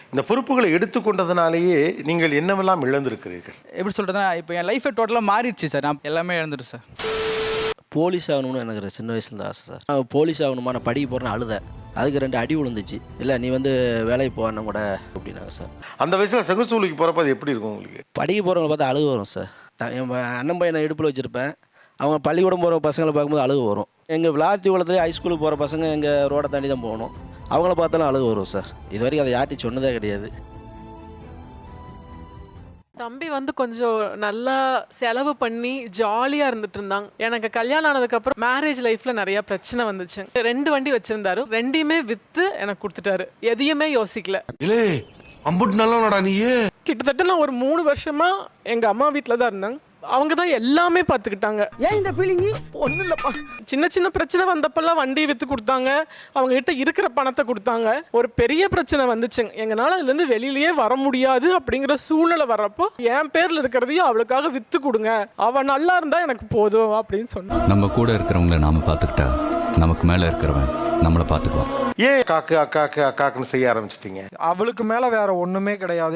இந்த பொறுப்புகளை எடுத்துக்கொண்டதுனாலேயே நீங்கள் என்னவெல்லாம் இழந்திருக்கிறீர்கள்? எப்படி சொல்கிறதுனா, இப்போ என் லைஃபே டோட்டலாக மாறிடுச்சு சார். நான் எல்லாமே இழந்துட்டேன் சார். போலீஸ் ஆகணும்னு எனக்கு சின்ன வயசுலேருந்து ஆசை சார். நான் போலீஸ் ஆகணுமா, நான் படிக்க போகிறேன்னு அழுதேன். அதுக்கு 2 அடி விழுந்துச்சு. இல்லை நீ வேலைக்கு போகணும் கூட அப்படின்னாங்க சார். அந்த வயசில் செங்கசூலுக்கு போகிறப்ப அது எப்படி இருக்கும் உங்களுக்கு? படிக்க போகிறவங்க பார்த்தா அழுகு வரும் சார். என் அண்ணன் பையனை இடுப்பில் வச்சுருப்பேன். அவங்க பள்ளிக்கூடம் போகிற பசங்களை பார்க்கும்போது அழுகு வரும். எங்கள் விளாத்திக்குளத்துலேயே ஹைஸ்கூலுக்கு போகிற பசங்க எங்கள் ரோடை தாண்டி தான் போகணும். அவங்கள பார்த்தாலும் அழுகு வரும் சார். இது வரைக்கும் அதை யார்ட்டி சொன்னதே கிடையாது. தம்பி கொஞ்சம் நல்லா செலவு பண்ணி ஜாலியாக இருந்துட்டு இருந்தாங்க. எனக்கு கல்யாணம் ஆனதுக்கப்புறம் மேரேஜ் லைஃப்பில் நிறைய பிரச்சனை வந்துச்சு. 2 வண்டி வச்சுருந்தாரு, 2யுமே விற்று எனக்கு கொடுத்துட்டாரு. எதையுமே யோசிக்கல. கிட்டத்தட்ட நான் ஒரு 3 வருஷமா எங்கள் அம்மா வீட்டில் தான் இருந்தேன். அவங்க தான் எல்லாமே பார்த்துக்கிட்டாங்க. ஏன் இந்த ஃபீலிங்? ஒன்றும் இல்லைப்பா. சின்ன சின்ன பிரச்சனை வந்தப்பெல்லாம் வண்டி விற்று கொடுத்தாங்க. அவங்க கிட்ட இருக்கிற பணத்தை கொடுத்தாங்க. ஒரு பெரிய பிரச்சனை வந்துச்சுங்க. எங்களால் அதுலேருந்து வெளியிலேயே வர முடியாது அப்படிங்கிற சூழ்நிலை வர்றப்போ என் பேரில் இருக்கிறதையும் அவளுக்காக விற்று கொடுங்க, அவள் நல்லா இருந்தால் எனக்கு போதும் அப்படின்னு சொன்னாங்க. நம்ம கூட இருக்கிறவங்கள நாம பார்த்துக்கிட்டா நமக்கு மேலே இருக்கிறவன் நம்மளை பார்த்துக்குவான். ஏன் காக்கு அக்காக்கு அக்காக்குன்னு செய்ய ஆரம்பிச்சிட்டீங்க? அவளுக்கு மேல வேற ஒண்ணுமே கிடையாது.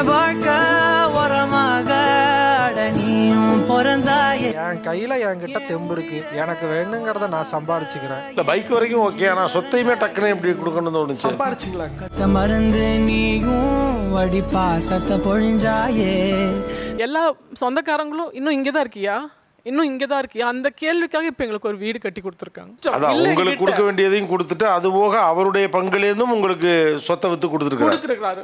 என் கையில என்கிட்ட தெம்பு இருக்கு. எனக்கு வேணுங்கிறத நான் சம்பாரிச்சுக்கிறேன். இல்ல பைக் வரைக்கும் ஓகே, ஆனா சொத்தையுமே டக்குன்னு எப்படி கொடுக்கணும்னு தோணுச்சு. சம்பாரிச்சுக்கலாம். மறந்து நீயும் வடி பாசத்தை பொழிஞ்சாயே. எல்லா சொந்தக்காரங்களும் இன்னும் இங்கே தான் இருக்கியா, இன்னும் இங்கே தான் இருக்கியா, அந்த கேள்விக்காக இப்போ எங்களுக்கு ஒரு வீடு கட்டி கொடுத்துருக்காங்க. அதான் உங்களுக்கு கொடுக்க வேண்டியதையும் கொடுத்துட்டு அது போக அவருடைய பங்குலேருந்தும் உங்களுக்கு சொத்தை வித்து கொடுத்துருக்காரு.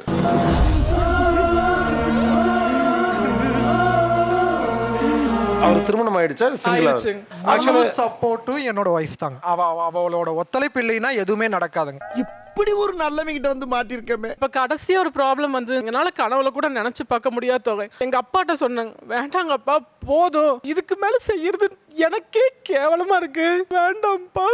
அவர் திருமணம் ஆயிடுச்சா? சிங்கிளா? சப்போர்ட்டும் என்னோட வைஃப் தாங்க. அவளோட ஒத்துழைப்பு இல்லைன்னா எதுவுமே நடக்காதுங்க. இப்படி ஒரு நல்லவங்கிட்ட மாட்டிருக்கமே. இப்போ கடைசியா ஒரு ப்ராப்ளம் எங்களால கனவுல கூட நினைச்சு பார்க்க முடியாத தொகை. எங்க அப்பாட்ட சொன்னாங்க, வேண்டாங்கப்பா போதும், இதுக்கு மேல செய்யறது எனக்கே கேவலமா இருக்கு, வேண்டாம்ப்பா.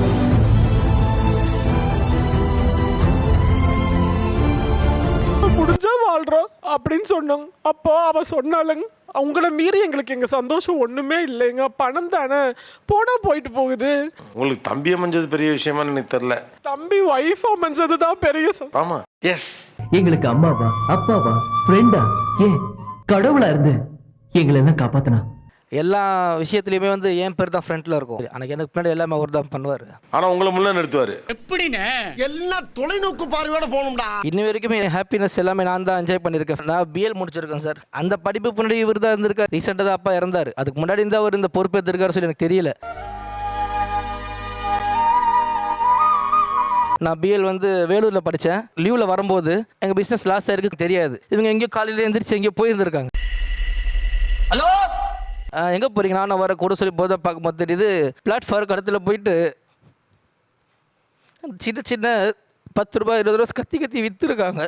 முடிஞ்சா வாழ்றோம் அப்படின்னு சொன்னாங்க. அப்போ அவ சொன்னாலுங்க, அவங்கள மீறி எங்களுக்கு எங்க சந்தோஷம் ஒண்ணுமே இல்லைங்க, பணம் தானே போனா போயிட்டு போகுது. உங்களுக்கு தம்பி அமைஞ்சது பெரிய விஷயமா எனக்கு தெரியல. தம்பி வைஃப் அமைஞ்சதுதான் பெரிய. ஆமா, எஸ். எங்களுக்கு அம்மாவா அப்பாவா ஃப்ரெண்டா ஏன் கடவுளா இருந்து எங்களை எல்லாம் காப்பாத்தினா. எல்லா விஷயத்துலையுமே என் பேர் தான் ஃப்ரண்ட்டில் இருக்கும். எனக்கு பின்னாடி எல்லாமே அவர் தான் பண்ணுவார். ஆனால் உங்களை முன்னே நிறுத்துவார். எப்படின்னு எல்லாம் தொலைநோக்கு பார்வையோட போகணும்டா. இன்ன வரைக்குமே என் ஹாப்பினஸ் எல்லாமே நான் தான் என்ஜாய் பண்ணியிருக்கேன். நான் பிஎல் முடிச்சிருக்கேன் சார். அந்த படிப்பு முன்னாடி இவர் தான் இருந்திருக்கார். ரீசெண்டாக தான் அப்பா இறந்தார். அதுக்கு முன்னாடி இருந்தால் அவர் இந்த பொறுப்பு எடுத்திருக்காரு சொல்லி எனக்கு தெரியல. நான் பிஎல் வேலூரில் படித்தேன். லீவில் வரும்போது எங்கள் பிஸ்னஸ் லாஸ் ஆயிருக்கு தெரியாது. இவங்க எங்கேயோ காலையில் எழுந்திரிச்சு எங்கேயோ போயிருந்துருக்காங்க. ஹலோ எங்கே போகிறீங்க? நான் வர கூட சொல்லி போதை பார்க்கும்போது தெரியுது பிளாட்ஃபார்ம் கடத்தில் போயிட்டு சின்ன சின்ன 10 ரூபாய் 20 ரூபா கத்தி கத்தி விற்றுருக்காங்க.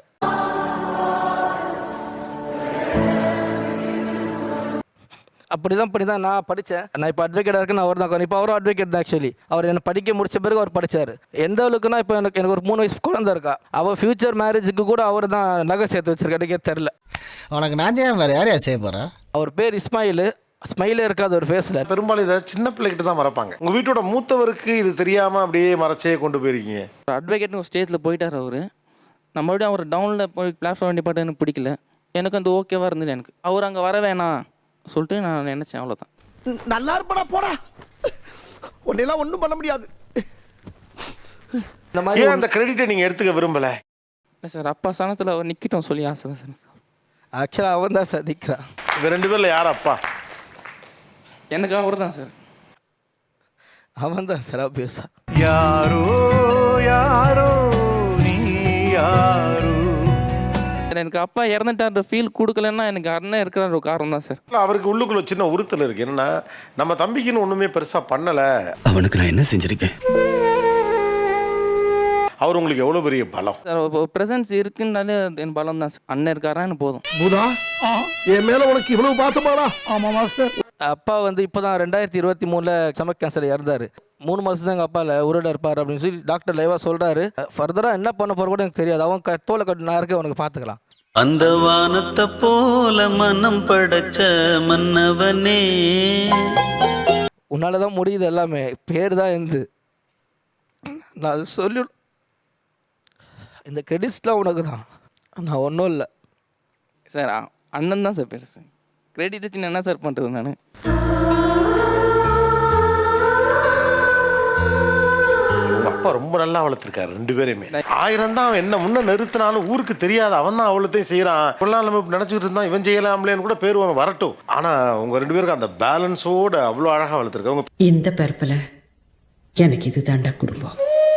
அப்படி தான் நான் படித்தேன். நான் இப்போ அட்வொகேட்டாக இருக்கேன். அவர் தான் இப்போ அவரும் அட்வொகேட் தான். ஆக்சுவலி அவர் என்னை படிக்க முடிச்ச பிறகு அவர் படித்தார். எந்த அளவுக்குன்னா இப்போ எனக்கு ஒரு 3 வயசு குழந்தை இருக்கா. அவள் ஃபியூச்சர் மேரேஜுக்கு கூட அவர் தான் நகை சேர்த்து வச்சிருக்கே தெரில. உனக்கு நான் வேறு யாரையா செய்ய போகிறேன்? அவர் பேர் இஸ்மாயில். ஸ்மைலே இருக்காது ஒரு ஃபேஸில். பெரும்பாலும் இதை சின்ன பிள்ளைகிட்ட தான் மறப்பாங்க. உங்கள் வீட்டோட மூத்தவருக்கு இது தெரியாமல் அப்படியே மறைச்சே கொண்டு போயிருக்கீங்க. அட்வொகேட்னு ஒரு ஸ்டேஜில் போயிட்டார் அவர். நான் மறுபடியும் அவர் டவுனில் போய் பிளாட்ஃபார்ம் வண்டி பாட்டு எனக்கு பிடிக்கல. எனக்கு ஓகேவாக இருந்தது. எனக்கு அவர் அங்கே வர வேணாம் சொல்லிட்டு நான் நினச்சேன். அவ்வளோதான். நல்லா இருப்படா போடா, உன்னெல்லாம் ஒன்றும் பண்ண முடியாது. இந்த மாதிரி அந்த கிரெடிட்டை நீங்கள் எடுத்துக்க விரும்பலை? இல்லை சார், அப்பா சனத்தில் அவர் நிற்கட்டும் சொல்லி ஆசை தான் சார். ஆக்சுவலாக அவன் தான் சார் நிற்கிறான். இந்த 2 பேரில் யார் அப்பா? எனக்கு அவர் தான் சார். அவன் தான் சார் ஆப்வியஸா. யாரோ யாரோ நீ யாரோ. எனக்கு அப்பா இறந்துட்டான்ற ஃபீல் கொடுக்கலன்னா எனக்கு அண்ணன் இருக்கிற ஒரு காரணம் தான் சார். அவருக்கு உள்ளுக்குள்ள சின்ன உறுத்தல் இருக்கு. என்னன்னா நம்ம தம்பிக்குன்னு ஒண்ணுமே பெருசா பண்ணல. அவனுக்கு நான் என்ன செஞ்சிருக்கேன்? அவர் உங்களுக்கு எவ்வளவு பெரிய பலம். பிரசன்ஸ் இருக்குன்னாலே என் பலம் தான் சார். அண்ணன் இருக்காரா எனக்கு போதும். பூதா என் மேல உனக்கு இவ்வளவு பாசமாடா? ஆமா மாஸ்டர். அப்பா இப்போ தான் 2023 ஸ்டமக் கேன்சர் இறந்தார். 3 மாதம் தான் எங்கள் அப்பாவில் உருட இருப்பார் அப்படின்னு சொல்லி டாக்டர் லைவாக சொல்கிறாரு. ஃபர்தராக என்ன பண்ண போகிற கூட எனக்கு தெரியாது. அவன் தோலை கட்டு நான் இருக்க உனக்கு பார்த்துக்கலாம். அந்த வானத்தை போல மனம் படைச்ச மன்னவனே, உன்னால தான் முடியுது எல்லாமே. பேர் தான் இருந்து நான் அது சொல்லி இந்த கிரெடிட்ஸ்லாம் உனக்கு தான். நான் ஒன்றும் இல்லை சார் அண்ணன் தான் சார் பெருசு. கிரெடிட் வச்சு நான் என்ன சார் பண்ணுறது நான்? உங்க அப்பா ரொம்ப நல்லா வளர்த்துருக்காரு 2 பேரையுமே. 1000 தான் அவன் என்ன முன்ன நிறுத்தினாலும் ஊருக்கு தெரியாது, அவன் தான் அவ்வளோத்தையும் செய்யறான். இப்பெல்லாம் நம்ம நினைச்சிட்டு இருந்தான் இவன் செய்யலாம்லேன்னு கூட பேர் வரட்டும். ஆனா உங்க 2 பேருக்கு அந்த பேலன்ஸோட அவ்வளோ அழகா வளர்த்துருக்காங்க. இந்த பிறப்புல எனக்கு இது தாண்டா குடும்பம்.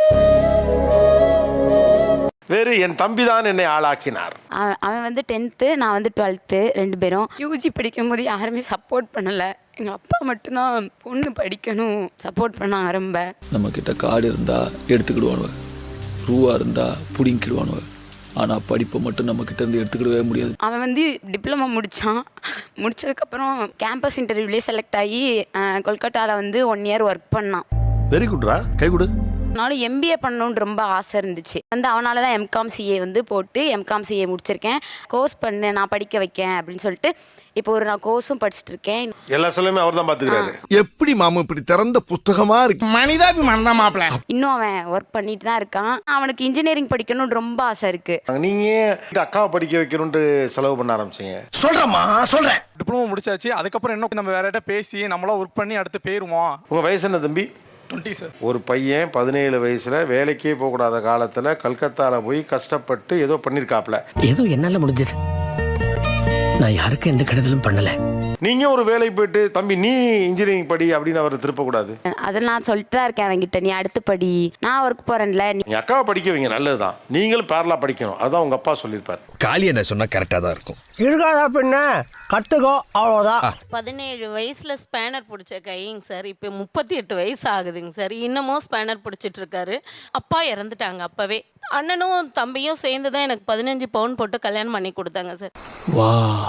வேறு என் தம்பி தான் என்னை ஆளாக்கினார். அவன் வந்து 10th, நான் வந்து 12th. 2 பேரும் யூஜி படிக்கும் போது யாருமே சப்போர்ட் பண்ணலை. எங்கள் அப்பா மட்டும்தான் பொண்ணு படிக்கணும் சப்போர்ட் பண்ணாங்க ரொம்ப. நம்ம கிட்ட காடு இருந்தா எடுத்துக்கிடுவானுவ, ரூவா இருந்தா புடிங்கிடுவானுவ. ஆனா படிப்பை மட்டும் நம்ம கிட்ட இருந்து எடுத்துக்கிடவே முடியாது. அவன் வந்து டிப்ளமோ முடிச்சதுக்கப்புறம் கேம்பஸ் இன்டர்வியூலேயே செலக்ட் ஆகி கொல்கட்டாவில் வந்து 1 year ஒர்க் பண்ணான். வெரி குட்ரா, கை கொடு. நானும் எம்பிஏ பண்ணணுன்னு ரொம்ப ஆசை இருந்துச்சு. வந்து அவனால தான் எம்காம் சிஏ வந்து போட்டு எம்காம் சிஏ முடிச்சிருக்கேன். கோர்ஸ் பண்ணு நான் படிக்க வைக்கேன் அப்படின்னு சொல்லிட்டு இப்போ நான் கோர்ஸும் படிச்சுட்டு இருக்கேன். எல்லா சொல்லுமே அவர் தான் பார்த்துக்கிறாரு. எப்படி மாமா இப்படி திறந்த புத்தகமா இருக்கு? மனிதாபிமானம் தான் மாப்பிள்ள. இன்னும் அவன் ஒர்க் பண்ணிட்டு தான் இருக்கான். அவனுக்கு இன்ஜினியரிங் படிக்கணும்னு ரொம்ப ஆசை இருக்கு. நீங்க அக்காவை படிக்க வைக்கணும்னு செலவு பண்ண ஆரம்பிச்சீங்க. சொல்றேம்மா சொல்றேன். டிப்ளமோ முடிச்சாச்சு. அதுக்கப்புறம் என்ன நம்ம வேற ஏதாவது பேசி நம்மளாம் ஒர்க் பண்ணி அடுத்து போயிருவோம். உங்க வயசு என்ன தம்பி? 20 சார். ஒரு பையன் 17 வயசுல வேலைக்கே போகக்கூடாத காலத்துல கல்கத்தால போய் கஷ்டப்பட்டு ஏதோ பண்ணிருக்காப்ல. ஏதோ என்னால முடிஞ்சது. நான் யாருக்கும் எந்த கெடுதலும் பண்ணல. நீங்க ஒரு வேலைக்கு போயிட்டு தம்பி நீ இன்ஜினியரிங் படி அப்படின்னு அவர் திருப்பக்கூடாது. அதில் நான் சொல்லிட்டு தான் இருக்கேன் அவன்கிட்ட, நீ அடுத்து படி, நான் ஒர்க் போறேன்ல. நீங்க அக்காவை படிக்க வைங்க, நல்லதுதான். நீங்களும் பேரலா படிக்கணும், அதுதான் உங்க அப்பா சொல்லியிருப்பார். காளி என்ன சொன்னா கரெக்டா தான் இருக்கும். இருக்காதா பின்ன கத்துக்கோ அவ்வளோதான். 17 வயசுல ஸ்பேனர் பிடிச்ச கைங்க சார் இப்போ 38 வயசு ஆகுதுங்க சார். இன்னமும் ஸ்பேனர் பிடிச்சிட்டு இருக்காரு. அப்பா இறந்துட்டாங்க அப்பவே. அண்ணனும் தம்பியும் சேர்ந்து தான் எனக்கு 15 பவுன் போட்டு கல்யாணம் பண்ணி கொடுத்தாங்க சார். வா,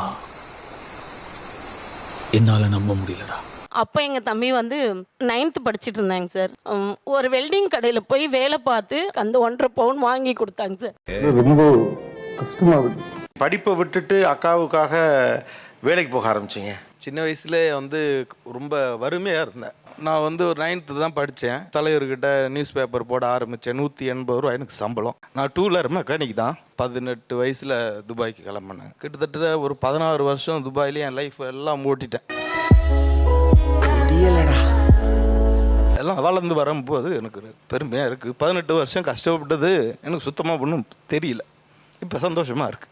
என்னால நம்ப முடியலடா. அப்போ எங்கள் தம்பி வந்து 9th படிச்சுட்டு இருந்தாங்க சார். ஒரு வெல்டிங் கடையில் போய் வேலை பார்த்து அந்த 1.5 பவுன் வாங்கி கொடுத்தாங்க சார். ரொம்ப கஷ்டமா படிப்பை விட்டுட்டு அக்காவுக்காக வேலைக்கு போக ஆரம்பிச்சிங்க. சின்ன வயசுல வந்து ரொம்ப வறுமையாக இருந்தேன். நான் வந்து ஒரு 9th தான் படித்தேன். தலைவர்கிட்ட நியூஸ் பேப்பர் போட ஆரம்பித்தேன். 180 ரூபா எனக்கு சம்பளம். நான் 2 வீலர் மெக்கானிக் தான். 18 வயசில் துபாய்க்கு கிளம்பினேன். கிட்டத்தட்ட ஒரு 16 வருஷம் துபாயிலே என் லைஃப் எல்லாம் ஓட்டிட்டேன். எல்லாம் வளர்ந்து வரும்போது எனக்கு பெருமையாக இருக்குது. 18 வருஷம் கஷ்டப்பட்டது எனக்கு சுத்தமாக ஒன்றும் தெரியல. இப்போ சந்தோஷமாக இருக்குது.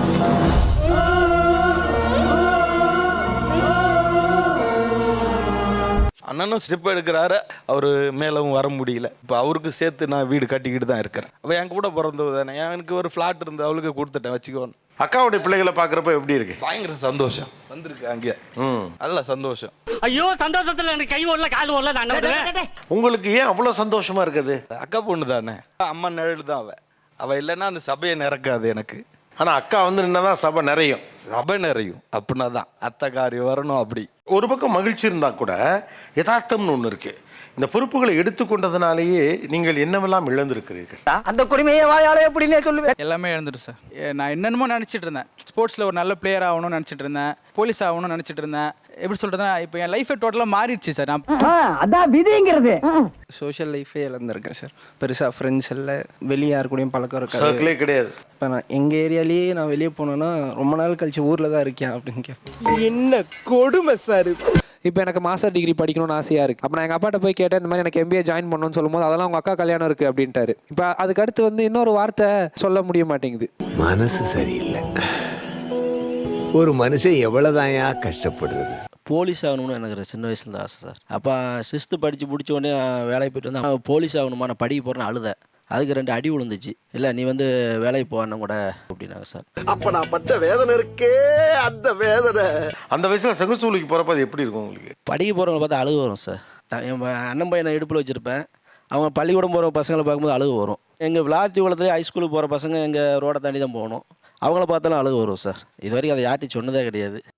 அண்ணனும் ஸ்டெப் எடுக்கிறாரு. அவர் மேலும் வர முடியல. இப்போ அவருக்கு சேர்த்து நான் வீடு கட்டிக்கிட்டு தான் இருக்கிறேன். அவள் என் கூட பிறந்தது தானே. எனக்கு ஒரு ஃப்ளாட் இருந்து அவளுக்கு கொடுத்துட்டேன் வச்சுக்கோன்னு. அக்காவுடைய பிள்ளைகளை பார்க்குறப்ப எப்படி இருக்கு? பயங்கர சந்தோஷம் வந்திருக்கு. அங்கே நல்ல சந்தோஷம். ஐயோ சந்தோஷத்துல எனக்கு கை ஓடல கால் ஓடல. நான் உங்களுக்கு ஏன் அவ்வளோ சந்தோஷமா இருக்குது? அக்கா பொண்ணு தானே. அம்மா நிழல் தான் அவள் இல்லைன்னா அந்த சபையை நிறக்காது எனக்கு. ஆனால் அக்கா வந்து நின்னதான் சபை நிறையும். சபை நிறையும் அப்படின்னா தான் அத்தை காரியம் வரணும். அப்படி ஒரு பக்கம் மகிழ்ச்சி இருந்தால் கூட யதார்த்தம்னு ஒன்று இருக்கு. இந்த பொறுப்புகளை எடுத்துக்கொண்டதுனாலேயே நீங்கள் என்னவெல்லாம் இழந்திருக்கிறீர்கள். அந்த குடிமையை வாயாலே எப்படின்னே சொல்லுவேன். எல்லாமே இழந்துட்டு சார். நான் என்னென்னமோ நினச்சிட்டு இருந்தேன். ஸ்போர்ட்ஸில் ஒரு நல்ல பிளேயர் ஆகணும்னு நினச்சிட்டு இருந்தேன். போலீஸ் ஆகணும்னு நினச்சிட்டு இருந்தேன். எப்படி சொல்கிறதுனா இப்போ என் லைஃபே டோட்டலாக மாறிடுச்சு சார். அதான் விதிங்கிறது. சோஷியல் லைஃபே இழந்திருக்கேன் சார். பெருசாக ஃப்ரெண்ட்ஸ் இல்லை, வெளியே யார் கூடயும் பழக்கம் இருக்காது. சர்க்கிளே கிடையாது. இப்போ நான் எங்கள் ஏரியாலேயே நான் வெளியே போனேன்னா ரொம்ப நாள் கழிச்சு ஊரில் தான் இருக்கேன் அப்படின்னு கேட்பேன். என்ன கொடுமை சார். இப்போ எனக்கு மாஸ்டர் டிகிரி படிக்கணும்னு ஆசையாக இருக்குது. அப்போ நான் எங்கள் அப்பாட்ட போய் கேட்டேன், இந்த மாதிரி எனக்கு MBA ஜாயின் பண்ணணும்னு சொல்லும்போது அதெல்லாம் உங்கள் அக்கா கல்யாணம் இருக்குது அப்படின்ட்டாரு. இப்போ அதுக்கடுத்து வந்து இன்னொரு வார்த்தை சொல்ல முடிய மாட்டேங்குது. மனசு சரியில்லை. ஒரு மனுஷன் எவ்வளவுதான் கஷ்டப்படுறது. போலீஸ் ஆகணும்னு எனக்கு சின்ன வயசுல தான் ஆசை சார். அப்போ 6th படித்து முடிச்ச உடனே வேலைக்கு போயிட்டு வந்து போலீஸ் ஆகணுமா நான் படிக்க போகிறேன்னு அழுதேன். அதுக்கு 2 அடி விழுந்துச்சு. இல்லை நீ வந்து வேலைக்கு போகணும் கூட அப்படின்னாங்க சார். அப்ப நான் பட்ட வேதனை இருக்கே, அந்த வேதனை. அந்த வயசில் செங்கசூலுக்கு போகிறப்ப அது எப்படி இருக்கும் உங்களுக்கு? படிக்க போகிறவங்களை பார்த்தா அழுகு வரும் சார். என் அண்ணன் பையனை இடுப்பில் வச்சுருப்பேன். அவங்க பள்ளிக்கூடம் போகிற பசங்களை பார்க்கும்போது அழுகு வரும். எங்கள் விளாத்தி குளத்துலேயே ஹைஸ்கூலுக்கு போகிற பசங்க எங்கள் ரோடை தாண்டி தான் போகணும். அவங்கள பார்த்தாலும் அழுகு வரும் சார். இது வரைக்கும் அதை யார்ட்டும் சொன்னதே கிடையாது.